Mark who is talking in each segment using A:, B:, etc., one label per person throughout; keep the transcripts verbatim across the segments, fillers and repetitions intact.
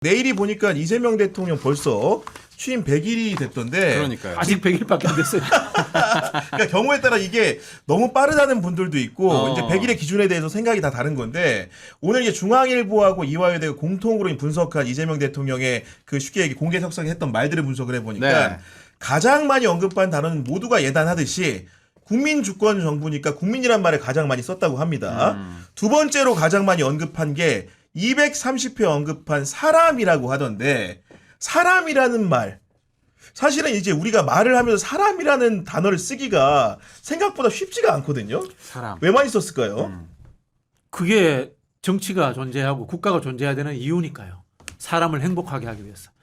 A: 내일이 보니까 이재명 대통령 벌써 취임 백 일이 됐던데.
B: 그러니까요.
C: 아직 백 일밖에 안 됐어요.
A: 그러니까 경우에 따라 이게 너무 빠르다는 분들도 있고
B: 어.
A: 이제 백 일의 기준에 대해서 생각이 다 다른 건데 오늘 이제 중앙일보하고 이화여대가 공통으로 분석한 이재명 대통령의 그 쉽게 얘기 공개 석상했던 말들을 분석을 해보니까
B: 네.
A: 가장 많이 언급한 단어는 모두가 예단하듯이 국민 주권 정부니까 국민이란 말을 가장 많이 썼다고 합니다.
B: 음.
A: 두 번째로 가장 많이 언급한 게 이백삼십 회 언급한 사람이라고 하던데 사람이라는 말 사실은 이제 우리가 말을 하면서 사람이라는 단어를 쓰기가 생각보다 쉽지가 않거든요.
B: 사람.
A: 왜 많이 썼을까요?
B: 음.
C: 그게 정치가 존재하고 국가가 존재해야 되는 이유니까요. 사람을 행복하게 하기 위해서.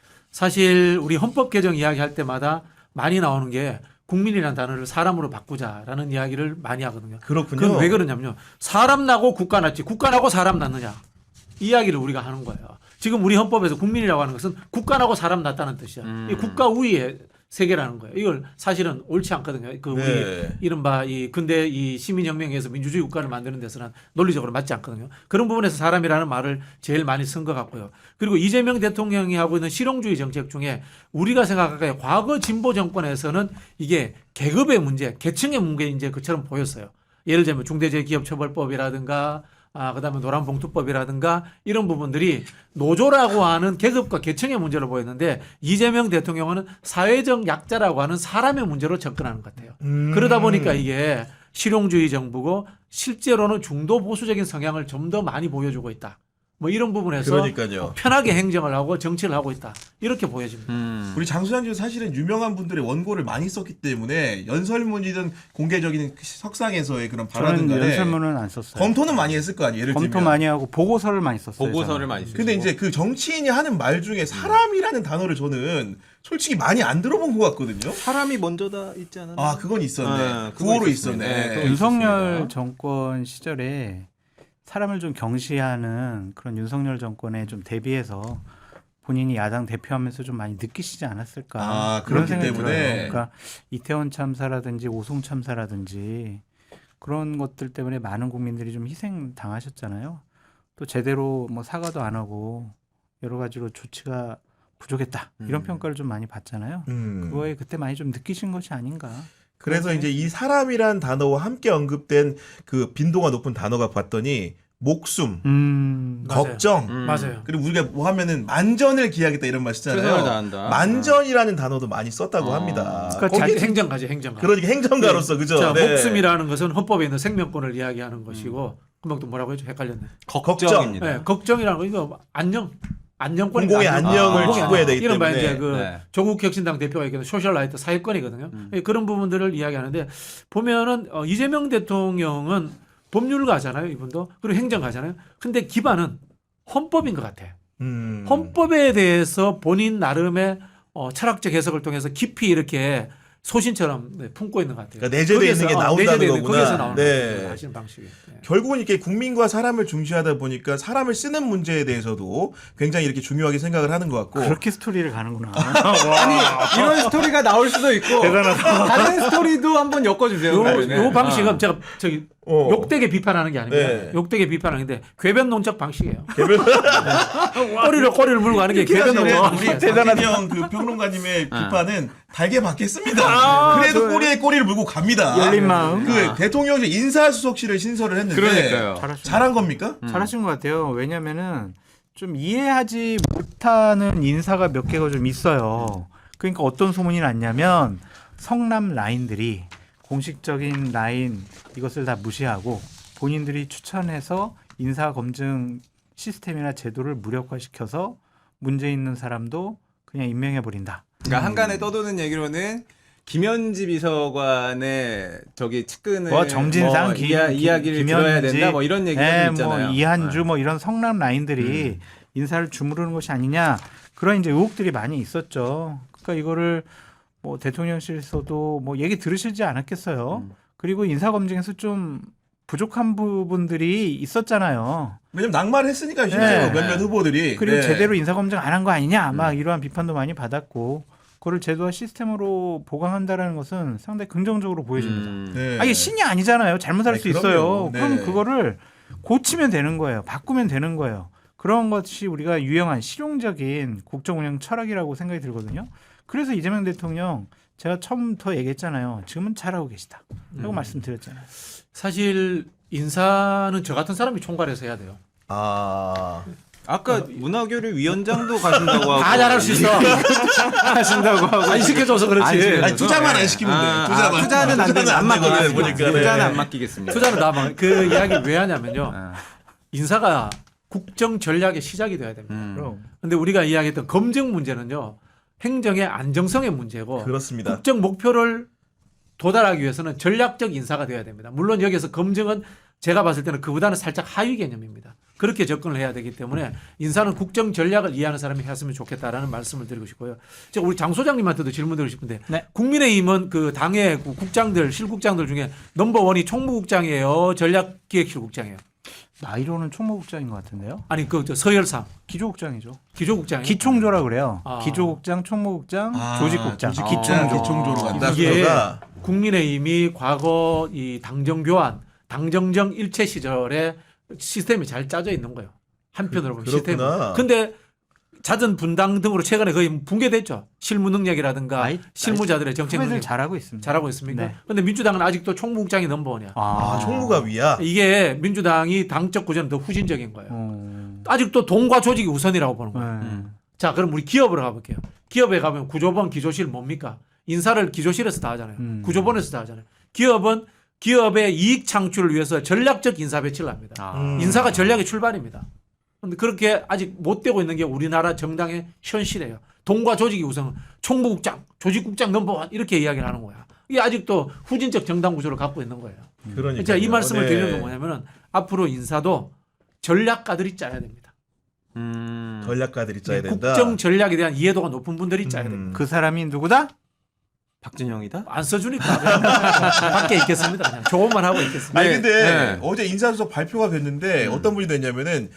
C: 사실 우리 헌법 개정 이야기할 때마다 많이 나오는 게 국민이라는 단어를 사람으로 바꾸자라는 이야기를 많이 하거든요.
A: 그렇군요.
C: 그건 왜 그러냐면요. 사람 나고 국가 났지 국가 나고 사람 났느냐. 이 이야기를 우리가 하는 거예요. 지금 우리 헌법에서 국민이라고 하는 것은 국가 나고 사람 났다는 뜻이야.
B: 음.
C: 이 국가 우위의 세계라는 거예요. 이걸 사실은 옳지 않거든요. 그 우리
A: 네.
C: 이른바 이 근대 이 시민혁명에서 민주주의 국가를 만드는 데서는 논리적으로 맞지 않거든요. 그런 부분에서 사람이라는 말을 제일 많이 쓴 것 같고요. 그리고 이재명 대통령이 하고 있는 실용주의 정책 중에 우리가 생각하기에 과거 진보 정권에서는 이게 계급의 문제, 계층의 문제 이제 그처럼 보였어요. 예를 들면 중대재해기업처벌법이라든가 아, 그다음에 노란봉투법이라든가 이런 부분들이 노조라고 하는 계급과 계층의 문제로 보였는데 이재명 대통령은 사회적 약자라고 하는 사람의 문제로 접근하는 것 같아요.
A: 음.
C: 그러다 보니까 이게 실용주의 정부고 실제로는 중도 보수적인 성향을 좀 더 많이 보여주고 있다. 뭐 이런 부분에서
A: 그러니까요.
C: 편하게 행정을 하고 정치를 하고 있다. 이렇게 보여집니다.
B: 음.
A: 우리 장수장님 사실은 유명한 분들의 원고를 많이 썼기 때문에 연설문이든 공개적인 석상에서의 그런 발언은
D: 저는
A: 간에
D: 연설문은 안 썼어요.
A: 검토는 많이 했을 거 아니에요. 예를
D: 검토
A: 들면.
D: 많이 하고 보고서를 많이 썼어요.
B: 보고서를
D: 저는.
B: 많이 쓰시고.
A: 근데 이제 그 정치인이 하는 말 중에 사람이라는 단어를 저는 솔직히 많이 안 들어본 것 같거든요.
B: 사람이 먼저다 있지 않았나?
A: 아, 그건 있었네.
B: 아, 그거
A: 구호로
B: 있었습니다. 네,
A: 있었네.
B: 그거
D: 윤석열
B: 있었습니다.
D: 정권 시절에 사람을 좀 경시하는 그런 윤석열 정권에 좀 대비해서 본인이 야당 대표하면서 좀 많이 느끼시지 않았을까
A: 아,
D: 그런
A: 그렇기
D: 생각이
A: 때문에.
D: 들어요. 그러니까 이태원 참사라든지 오송 참사라든지 그런 것들 때문에 많은 국민들이 좀 희생 당하셨잖아요. 또 제대로 뭐 사과도 안 하고 여러 가지로 조치가 부족했다 이런
B: 음.
D: 평가를 좀 많이 받잖아요.
A: 음.
D: 그거에 그때 많이 좀 느끼신 것이 아닌가.
A: 그래서 이제 이 사람이란 단어와 함께 언급된 그 빈도가 높은 단어가 봤더니 목숨,
D: 음,
C: 맞아요.
A: 걱정,
B: 음.
C: 맞아요.
A: 그리고 우리가 뭐 하면은 만전을 기하겠다 이런 말
B: 최선을
A: 쓰잖아요.
B: 다한다.
A: 만전이라는 단어도 많이 썼다고
B: 어.
A: 합니다.
C: 그러니까
A: 거기에
C: 자기 행정가지 행정가.
A: 그러니까 행정가로서 그죠?
C: 자,
A: 네.
C: 목숨이라는 것은 헌법에 있는 생명권을 이야기하는 것이고 금방 또 뭐라고 했죠? 헷갈렸네.
B: 걱정입니다.
C: 네, 걱정이라는 거 이거 안녕. 안녕권이
A: 공공의 안녕을
B: 아,
A: 추구해야 되기
C: 이런 말
A: 때문에.
C: 이제 그
B: 네.
C: 조국 혁신당 대표가 얘기하는 소셜라이트 사회권이거든요.
B: 음.
C: 예, 그런 부분들을 이야기하는데 보면은 어, 이재명 대통령은 법률가잖아요, 이분도. 그리고 행정가잖아요. 근데 기반은 헌법인 것 같아.
A: 음.
C: 헌법에 대해서 본인 나름의 어, 철학적 해석을 통해서 깊이 이렇게 소신처럼 네, 품고 있는 것 같아요.
A: 그러니까 내재되어 있는 게
C: 거기에서, 어,
A: 나온다는
C: 내재되어 있는
A: 거구나.
C: 거기에서 나오는
A: 네.
C: 거예요. 하시는 방식이. 네.
A: 결국은 이렇게 국민과 사람을 중시하다 보니까 사람을 쓰는 문제에 대해서도 굉장히 이렇게 중요하게 생각을 하는 것 같고.
D: 그렇게 스토리를 가는구나.
B: 아니 이런 스토리가 나올 수도 있고 다른 스토리도 한번 엮어주세요.
C: 요,
B: 그러면은.
C: 요 방식은
B: 어.
C: 제가 저기
A: 어.
C: 욕되게 비판하는 게 아닙니다.
A: 네.
C: 욕되게 비판하는데 궤변 농적 방식이에요. 꼬리를 꼬리를 물고 가는 게 궤변
A: 사실은
C: 농적
A: 우리
C: 방식이에요.
A: 박진영 그 평론가님의 비판은 달게 받겠습니다.
C: 아,
A: 그래도
C: 좋아요.
A: 꼬리에 꼬리를 물고 갑니다.
D: 열린 마음.
A: 그
B: 아.
A: 대통령실 인사수석실을 신설을 했는데
B: 그러니까요.
D: 잘하신
A: 잘한 겁니까?
B: 음.
D: 잘하신 것 같아요. 왜냐면은 좀 이해하지 못하는 인사가 몇 개가 좀 있어요. 그러니까 어떤 소문이 났냐면 성남 라인들이 공식적인 라인 이것을 다 무시하고 본인들이 추천해서 인사 검증 시스템이나 제도를 무력화시켜서 문제 있는 사람도 그냥 임명해 버린다.
B: 그러니까 한간에 떠도는 얘기로는 김현지 비서관의 저기 측근을
D: 뭐 정진상,
B: 뭐
D: 김-
B: 이야,
D: 김-
B: 이야기를
D: 김현지,
B: 들어야 된다 뭐 이런 얘기가
D: 네,
B: 좀 있잖아요.
D: 뭐 이한주
B: 네.
D: 뭐 이런 성남 라인들이 인사를 주무르는 것이 아니냐 그런 이제 의혹들이 많이 있었죠. 그러니까 이거를 뭐 대통령실에서도 뭐 얘기 들으시지 않았겠어요.
B: 음.
D: 그리고 인사 검증에서 좀 부족한 부분들이 있었잖아요.
A: 왜냐면 낙마를 했으니까 실제로
D: 네.
A: 몇몇 후보들이
D: 그리고
A: 네.
D: 제대로 인사 검증 안 한 거 아니냐 막
B: 음.
D: 이러한 비판도 많이 받았고 그걸 제도와 시스템으로 보강한다라는 것은 상당히 긍정적으로 보여집니다.
B: 음.
A: 네.
D: 아, 이게 신이 아니잖아요. 잘못할
A: 아니,
D: 수
A: 그럼요.
D: 있어요.
A: 네.
D: 그럼 그거를 고치면 되는 거예요. 바꾸면 되는 거예요. 그런 것이 우리가 유용한 실용적인 국정 운영 철학이라고 생각이 들거든요. 그래서 이재명 대통령 제가 처음부터 얘기했잖아요. 지금은 잘하고 계시다. 라고
C: 음.
D: 말씀드렸잖아요.
C: 사실 인사는 저 같은 사람이 총괄해서 해야 돼요.
A: 아
B: 아까 문화교류 위원장도 가신다고 하고
C: 다 잘할 수 있어.
B: 하신다고 하고
C: 안 시켜줘서 그렇지.
B: 안 시켜줘서.
A: 아니, 투자만 안 시키면 돼.
B: 아,
A: 투자만.
B: 아, 투자는 안 되는 안
A: 투자는 안 되거든,
B: 맡기겠습니다.
A: 보니까. 네.
B: 투자는 안 맡기겠습니다.
C: 투자는 나만 그 이야기를 왜 하냐면요.
B: 아,
C: 인사가 국정 전략의 시작이 돼야 됩니다.
B: 음.
D: 그럼.
C: 근데 우리가 이야기했던 검증 문제는요. 행정의 안정성의 문제고
A: 그렇습니다.
C: 국정 목표를 도달하기 위해서는 전략적 인사가 돼야 됩니다. 물론 여기서 검증은 제가 봤을 때는 그보다는 살짝 하위 개념입니다. 그렇게 접근을 해야 되기 때문에 인사는 국정 전략을 이해하는 사람이 했으면 좋겠다라는 말씀을 드리고 싶고요. 제가 우리 장 소장님한테도 질문 드리고 싶은데
D: 네.
C: 국민의힘은 그 당의 그 국장들 실국장들 중에 넘버원이 총무국장이에요, 전략기획실국장이에요.
D: 나이로는 총무국장인 것 같은데요.
C: 아니 그 저 서열상
D: 기조국장이죠.
C: 기조국장이
D: 기총조라 그래요.
C: 아.
D: 기조국장, 총무국장,
A: 아,
D: 조직국장.
A: 조직-
B: 기총조.
A: 아, 기총조로 간다.
C: 이게
A: 그거가.
C: 국민의힘이 과거 이 당정 교환, 당정정 일체 시절에 시스템이 잘 짜져 있는 거예요. 한편으로 보면 시스템이.
A: 그렇구나.
C: 근데 잦은 분당 등으로 최근에 거의 붕괴됐죠. 실무 능력이라든가
D: 아이,
C: 실무자들의 정책
D: 후배들
C: 능력
D: 잘하고 있습니다.
C: 잘하고 있습니까?
D: 네.
C: 근데 민주당은 아직도 총무국장이 넘버원이야.
A: 아, 총무가 위야.
C: 이게 민주당이 당적 구조는 더 후진적인 거예요.
D: 어...
C: 아직도 돈과 조직이 우선이라고 보는 거예요.
D: 네.
B: 음.
C: 자, 그럼 우리 기업으로 가볼게요. 기업에 가면 구조본, 기조실 뭡니까? 인사를 기조실에서 다 하잖아요.
D: 음.
C: 구조본에서 다 하잖아요. 기업은 기업의 이익 창출을 위해서 전략적 인사 배치를 합니다.
B: 아.
A: 음.
C: 인사가 전략의 출발입니다. 그런데 그렇게 아직 못 되고 있는 게 우리나라 정당의 현실이에요. 돈과 조직이 우선 총무국장, 조직국장 넘버원 이렇게 이야기를 하는 거야. 이게 아직도 후진적 정당 구조를 갖고 있는 거예요.
A: 그러니까.
C: 제가 이 말씀을 드리는 건 뭐냐면은 앞으로 인사도 전략가들이 짜야 됩니다.
B: 음.
A: 전략가들이 짜야 된다.
C: 국정 전략에 대한 이해도가 높은 분들이 짜야
A: 음.
C: 됩니다.
D: 그 사람이 누구다?
B: 박진영이다?
C: 안 써주니까 그냥 밖에 있겠습니다. 그냥 조언만 하고 있겠습니다.
A: 아니
B: 네,
A: 근데
B: 네.
A: 어제 인사수석 발표가 됐는데
B: 음.
A: 어떤 분이 됐냐면은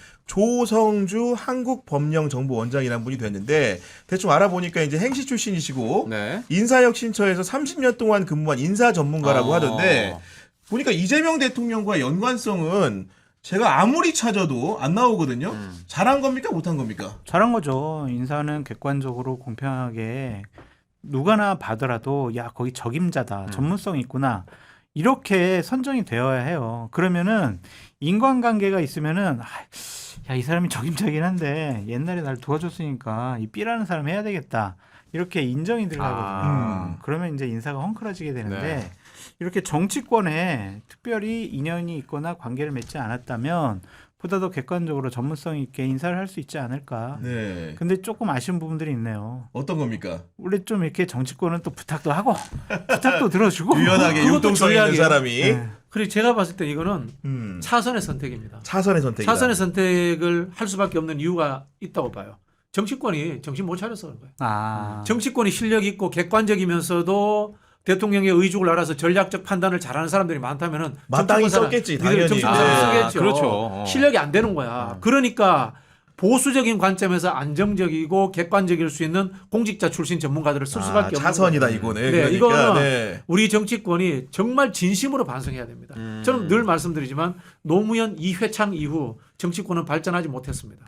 A: 조성주 한국법령정보원장이라는 분이 됐는데 대충 알아보니까 이제 행시 출신이시고
B: 네.
A: 인사혁신처에서 삼십 년 동안 근무한 인사 전문가라고
B: 어.
A: 하던데 보니까 이재명 대통령과 연관성은 제가 아무리 찾아도 안 나오거든요.
B: 음.
A: 잘한 겁니까 못한 겁니까?
D: 잘한 거죠. 인사는 객관적으로 공평하게 누가나 봐더라도 야 거기 적임자다,
B: 음.
D: 전문성 있구나 이렇게 선정이 되어야 해요. 그러면은 인간관계가 있으면은 야 이 사람이 적임자긴 한데 옛날에 날 도와줬으니까 이 B라는 사람 해야 되겠다 이렇게 인정이 들어가거든요.
B: 아.
D: 그러면 이제 인사가 헝클어지게 되는데
B: 네.
D: 이렇게 정치권에 특별히 인연이 있거나 관계를 맺지 않았다면 보다 더 객관적으로 전문성 있게 인사를 할 수 있지 않을까.
A: 네.
D: 근데 조금 아쉬운 부분들이 있네요.
A: 어떤 겁니까?
D: 원래 좀 이렇게 정치권은 또 부탁도 하고 부탁도 들어주고
A: 유연하게
C: 그것도
A: 융통성 있는
C: 전략이에요.
A: 사람이
D: 네.
C: 그리고 제가 봤을 때 이거는
A: 음.
C: 차선의 선택입니다.
A: 차선의 선택이다.
C: 차선의 선택을 할 수밖에 없는 이유가 있다고 봐요. 정치권이 정신 못 차려서 그런 거예요.
D: 아,
C: 정치권이 실력 있고 객관적이면서도 대통령의 의중을 알아서 전략적 판단을 잘하는 사람들이 많다면은
A: 마땅히
C: 정치권 사람,
A: 썼겠지,
C: 니들
A: 당연히.
C: 정치권
A: 아,
C: 사람 쓰겠죠.
B: 그렇죠. 어.
C: 실력이 안 되는 거야. 그러니까 보수적인 관점에서 안정적이고 객관적일 수 있는 공직자 출신 전문가들을 쓸 수밖에
A: 아,
C: 없는
A: 차선이다
C: 거예요.
A: 이거네.
C: 네,
A: 그러니까,
C: 이거는
A: 네.
C: 우리 정치권이 정말 진심으로 반성해야 됩니다.
B: 음.
C: 저는 늘 말씀드리지만 노무현 이회창 이후 정치권은 발전하지 못했습니다.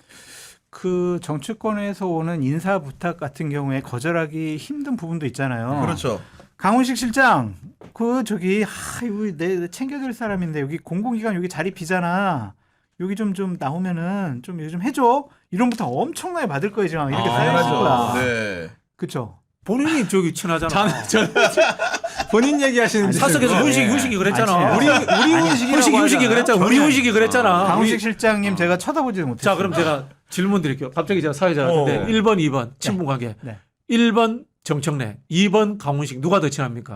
D: 그 정치권에서 오는 인사 부탁 같은 경우에 거절하기 힘든 부분도 있잖아요.
A: 그렇죠.
D: 강훈식 실장, 그 저기 하, 이거 내 챙겨줄 사람인데 여기 공공기관 여기 자리 비잖아. 여기 좀 좀 나오면은 좀 요즘 해줘. 이런 부탁 엄청나게 받을 거예요 지금 이렇게
B: 아,
D: 쌓여 있을 거야.
A: 네.
D: 그렇죠.
C: 본인이 저기 친하잖아.
B: 저는 본인 얘기하시는데
C: 사석에서
B: 지금.
C: 훈식이
B: 네.
C: 훈식이 그랬잖아.
D: 아니,
C: 우리
B: 우리 훈식이라고
C: 훈식이 훈식이
B: 하잖아요.
C: 그랬잖아. 우리
D: 저는-
C: 훈식이 그랬잖아.
D: 강훈식
C: 우리-
D: 실장님 제가 쳐다보지도 못했어요.
C: 자, 그럼 제가 질문 드릴게요. 갑자기 제가 사회자 같은데
A: 어.
C: 일 번, 이 번 친분 관계.
D: 네.
C: 일 번 정청래, 이 번 강훈식 누가 더 친합니까?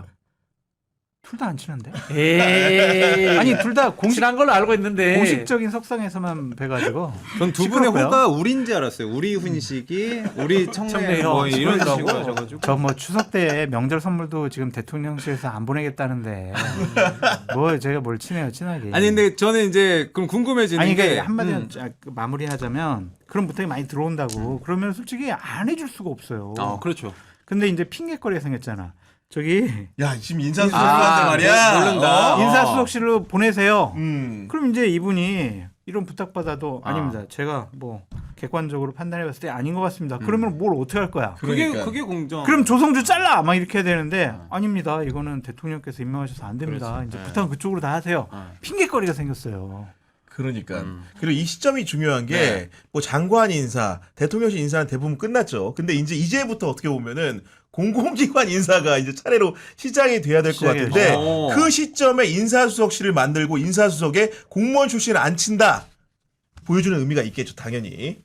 D: 둘 다 안 친한데?
C: 에이.
D: 아니 둘 다 공식
C: 친한 걸로 알고 있는데.
D: 공식적인 석상에서만 뵈가지고
B: 전 두 분의
D: 시끄럽고요.
B: 호가 우리인지 알았어요. 우리 훈식이, 우리 청래
C: 청래
B: 뭐
C: 형,
B: 이런
C: 그러더라고.
B: 식으로 하셔가지고.
D: 저 뭐 추석 때 명절 선물도 지금 대통령실에서 안 보내겠다는데 뭐 제가 뭘 친해요 친하게.
B: 아니 근데 저는 이제 그럼 궁금해지는
D: 아니
B: 게
D: 그러니까 한마디로
B: 음.
D: 자, 그 마무리하자면 그런 부탁이 많이 들어온다고 그러면 솔직히 안 해줄 수가 없어요.
B: 아 그렇죠.
D: 근데 이제 핑계거리가 생겼잖아. 저기
A: 야 지금 인사수석한테
B: 아,
A: 말이야.
B: 모른다.
A: 어.
D: 인사수석실로 보내세요.
A: 음.
D: 그럼 이제 이분이 이런 부탁받아도
B: 아.
D: 아닙니다. 제가 뭐 객관적으로 판단해봤을 때 아닌 것 같습니다. 그러면 뭘 어떻게 할 거야?
B: 그게
A: 그러니까.
B: 그게 공정.
D: 그럼 조성주 잘라 막 이렇게 해야 되는데 아닙니다. 이거는 대통령께서 임명하셔서 안 됩니다.
B: 그렇지.
D: 이제
B: 네.
D: 부탁은 그쪽으로 다 하세요.
B: 어.
D: 핑계거리가 생겼어요.
A: 그러니까.
B: 음.
A: 그리고 이 시점이 중요한 게
B: 네.
A: 뭐 장관 인사, 대통령실 인사는 대부분 끝났죠. 근데 이제 이제부터 어떻게 보면은 공공기관 인사가 이제 차례로 시작이 돼야 될 것
D: 시작이에요.
A: 같은데
B: 오.
A: 그 시점에 인사수석실을 만들고 인사수석에 공무원 출신을 안 친다. 보여주는 의미가 있겠죠, 당연히.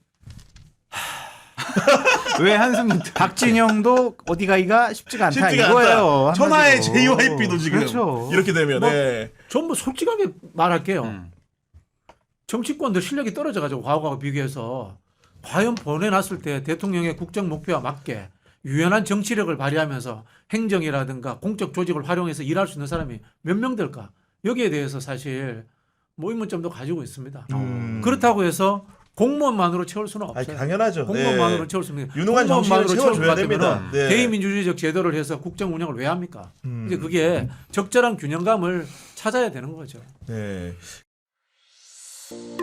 B: 왜 한숨이
D: 박진영도 어디 가기가 쉽지가 않다
A: 쉽지가
D: 이거예요.
A: 않다. 천하의
D: 한마디로.
A: 제이와이피도 지금
D: 그렇죠.
A: 이렇게 되면
C: 뭐,
A: 네.
C: 전부 솔직하게 말할게요.
B: 음.
C: 정치권들 실력이 떨어져가지고 과거하고 비교해서 과연 보내놨을 때 대통령의 국정 목표와 맞게 유연한 정치력을 발휘하면서 행정이라든가 공적 조직을 활용해서 일할 수 있는 사람이 몇 명 될까? 여기에 대해서 사실 뭐 의문점도 가지고 있습니다.
A: 음.
C: 그렇다고 해서 공무원만으로 채울 수는
A: 아니,
C: 없어요.
A: 당연하죠.
C: 공무원만으로
A: 네.
C: 채울 수 있는
A: 유능한 정치인을
C: 공무원만으로 채울
A: 채워줘야
C: 것
A: 됩니다.
C: 같으면
A: 네.
C: 대의민주주의적 제도를 해서 국정 운영을 왜 합니까?
A: 음.
C: 이제 그게 적절한 균형감을 찾아야 되는 거죠.
A: 네.